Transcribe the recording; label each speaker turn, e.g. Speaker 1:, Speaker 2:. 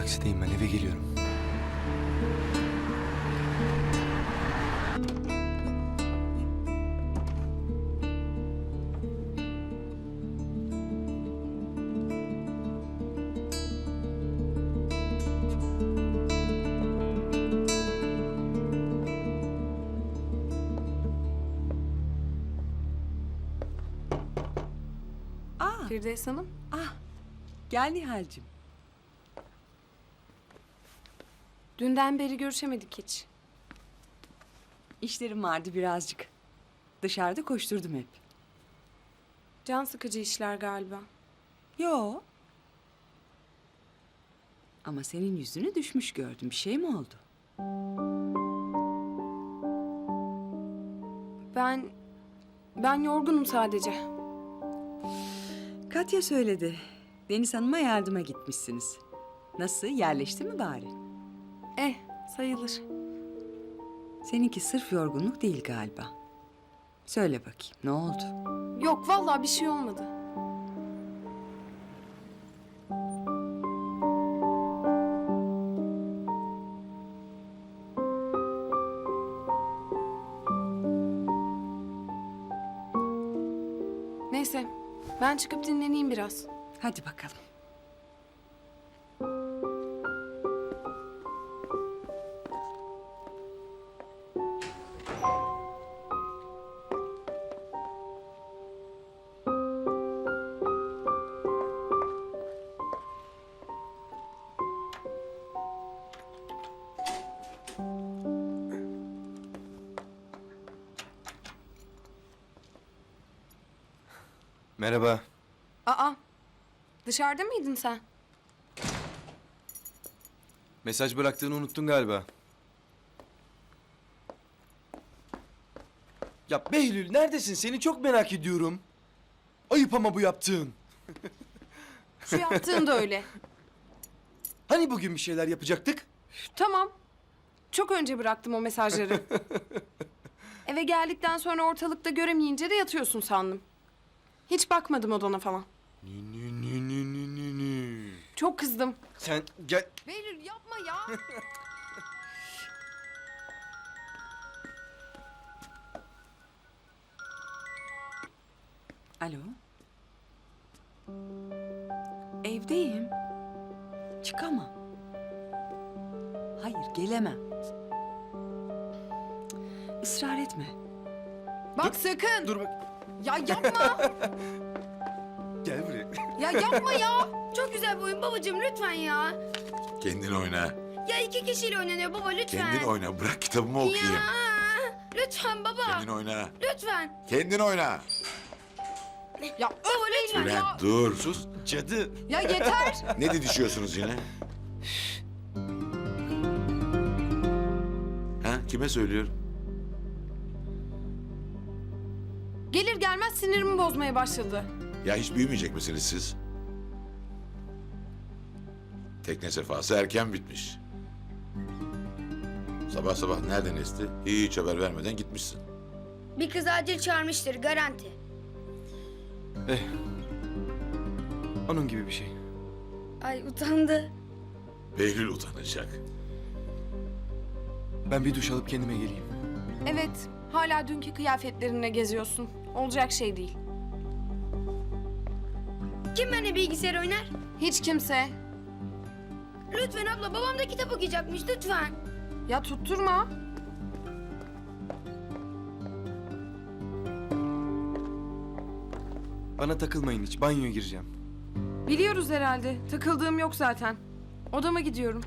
Speaker 1: Taksideyim ben, eve geliyorum.
Speaker 2: Firdevs Hanım.
Speaker 3: Gel Nihal'cim.
Speaker 2: Dünden beri görüşemedik hiç.
Speaker 3: İşlerim vardı birazcık. Dışarıda koşturdum hep.
Speaker 2: Can sıkıcı işler galiba.
Speaker 3: Yo. Ama senin yüzünü düşmüş gördüm. Bir şey mi oldu?
Speaker 2: Ben yorgunum sadece.
Speaker 3: Katya söyledi. Deniz Hanım'a yardıma gitmişsiniz. Nasıl? Yerleşti mi bari?
Speaker 2: Sayılır.
Speaker 3: Seninki sırf yorgunluk değil galiba. Söyle bakayım, ne oldu?
Speaker 2: Yok vallahi bir şey olmadı. Neyse, ben çıkıp dinleneyim biraz.
Speaker 3: Hadi bakalım.
Speaker 1: Merhaba.
Speaker 2: Aa, dışarıda mıydın sen?
Speaker 1: Mesaj bıraktığını unuttun galiba. Ya Behlül neredesin? Seni çok merak ediyorum. Ayıp ama bu yaptığın.
Speaker 2: Şu yaptığın da öyle.
Speaker 1: Hani bugün bir şeyler yapacaktık?
Speaker 2: Tamam. Çok önce bıraktım o mesajları. Eve geldikten sonra ortalıkta göremeyince de yatıyorsun sandım. Hiç bakmadım odana falan.
Speaker 1: Nü.
Speaker 2: Çok kızdım.
Speaker 1: Sen gel.
Speaker 2: Behlül yapma ya.
Speaker 3: Alo. Evdeyim. Çıkamam. Hayır, gelemem. Israr etme.
Speaker 2: Bak sakın.
Speaker 1: Dur bak.
Speaker 2: Ya yapma.
Speaker 1: Gel buraya.
Speaker 2: Ya yapma ya.
Speaker 4: Çok güzel bir oyun babacığım lütfen ya.
Speaker 5: Kendin oyna.
Speaker 4: Ya iki kişiyle oynanıyor baba lütfen.
Speaker 5: Kendin oyna. Bırak kitabımı okuyayım.
Speaker 4: Ya lütfen baba.
Speaker 5: Kendin oyna.
Speaker 4: Lütfen.
Speaker 5: Kendin oyna.
Speaker 2: Ya
Speaker 4: Baba lütfen.
Speaker 5: Bülent dur.
Speaker 1: Sus cadı.
Speaker 2: Ya yeter.
Speaker 5: Ne didişiyorsunuz yine? Ha? Kime söylüyorum?
Speaker 2: Gelir gelmez sinirimi bozmaya başladı.
Speaker 5: Ya hiç büyümeyecek misiniz siz? Tekne sefası erken bitmiş. Sabah sabah nereden esti? Hiç haber vermeden gitmişsin.
Speaker 4: Bir kız acil çağırmıştır garanti.
Speaker 1: Onun gibi bir şey.
Speaker 4: Ay utandı.
Speaker 5: Behlül utanacak.
Speaker 1: Ben bir duş alıp kendime geleyim.
Speaker 2: Evet, hala dünkü kıyafetlerinle geziyorsun. Olacak şey değil.
Speaker 4: Kim benimle bilgisayar oynar?
Speaker 2: Hiç kimse.
Speaker 4: Lütfen abla babam da kitap okuyacakmış lütfen.
Speaker 2: Ya tutturma.
Speaker 1: Bana takılmayın hiç. Banyoya gireceğim.
Speaker 2: Biliyoruz herhalde. Takıldığım yok zaten. Odama gidiyorum.